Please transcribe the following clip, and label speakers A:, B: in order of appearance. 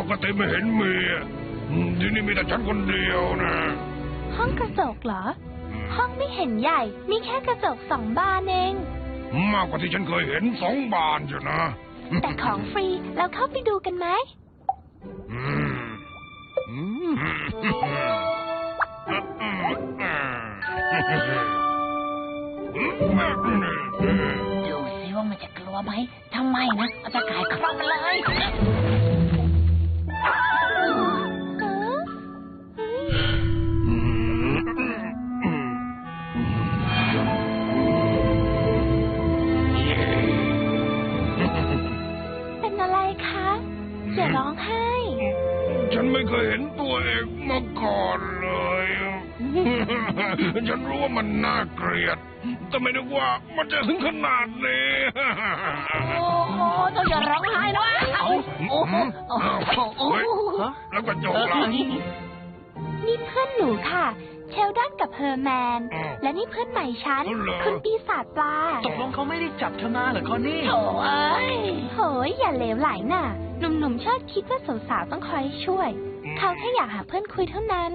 A: กติไม่เห็นมีที่นี่มีแต่ฉันคนเดียวนะ
B: ห้องกระจกเหรอห้องไม่เห็นใหญ่มีแค่กระจก2 บานเอง
A: มากกว่าที่ฉันเคยเห็น2 บานจ้ะนะ
B: แต่ของฟรีเราเข้าไปดูกันไหม
C: ดูสิว่ามันจะกลัวไหมทำไมนะเอาตะข่ายครอบมันเลย
B: เป็นอะไรคะอย่าร้องไห้
A: ฉันไม่เคยเห็นตัวเองมาก่อนเลยฉันรู้ว่ามันน่าเกลียดแต่ไม่นึกว่ามันจะถึงขนาดนี้
C: โอ้โหต้องอย่าร้องไห้นะโอ้โห
A: แล้วก็จบละ
B: นี่เพื่อนหนูค่ะเชลดอนกับเฮอร์แมนและนี่เพื่อนใหม่ฉันคุณปีศาจปลา
D: ตกลงเขาไม่ได้จับเธอมาเหรอคอนนี่
C: โอ้ย
B: โหยอย่าเหลวไหลน่ะหนุ่มๆชอบคิดว่าสาวๆต้องคอยช่วยเขาแค่อยากหาเพื่อนคุยเท่านั้น